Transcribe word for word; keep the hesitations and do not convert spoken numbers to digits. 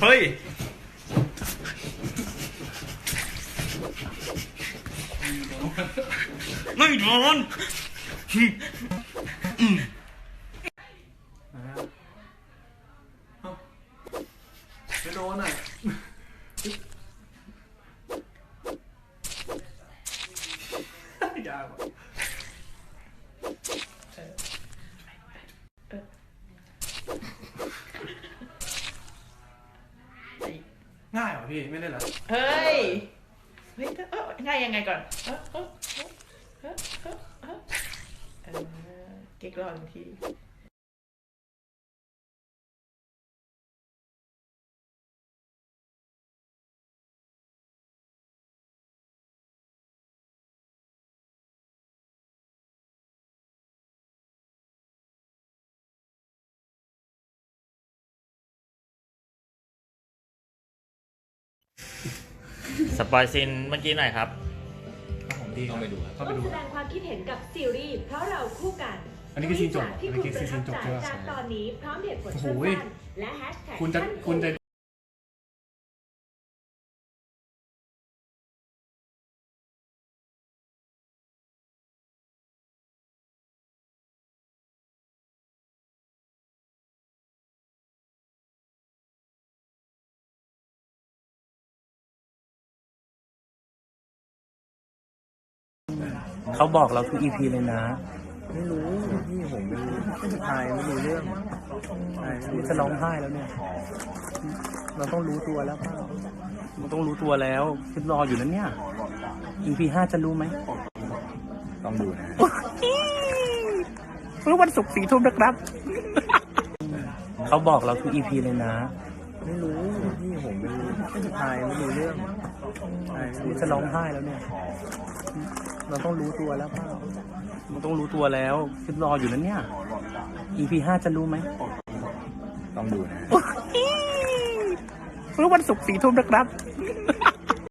เฮ้ยไม่โดนไม่โดนอ่ะยากว่ะง่ายเหรอพี่ไม่ได้เหรอเฮ้ยเฮ้ยเออง่ายยังไงก่อนเออเออเออเออเออเออเก๊กรอหนึ่งทีสปอยซินเมื่อกี้หน่อยครับของดีต้องไปดูครับร่วมแสดงความคิดเห็นกับซีรีส์เพราะเราคู่กันอันนี้คือซีนจบที่อันคุนี้ณคือประทับซีนจบใจใช่ไหมจากตอนนี้พร้อมเหตุผลโอ้โหสั้นๆและแฮชแท็กคุณจะคุณจะเขาบอกเราทุก อี พี เลยนะไม่รู้พี่ผมไม่รู้ทายไม่รู้เรื่องทายไม่รู้จะร้องไห้แล้วเนี่ยเราต้องรู้ตัวแล้วเปล่าเราต้องรู้ตัวแล้วคือรออยู่นั้นเนี่ย อี พี ห้าจะรู้ไหมต้องดูนะเมื่อวันศุกร์สี่ทุ่มนะครับ เขาบอกเราทุก อี พี เลยนะไม่รู้พี่ผมไม่รู้ทายไม่รู้เรื่องทายไม่รู้จะร้องไห้แล้วเนี่ยเราต้องรู้ตัวแล้วเปล่าเราต้องรู้ตัวแล้วคือรออยู่นั้นเนี่ย อี พี ห้าจะรู้ไหมต้องดูนะเมื่อวันศุกร์สี่ทุ่มนะครับ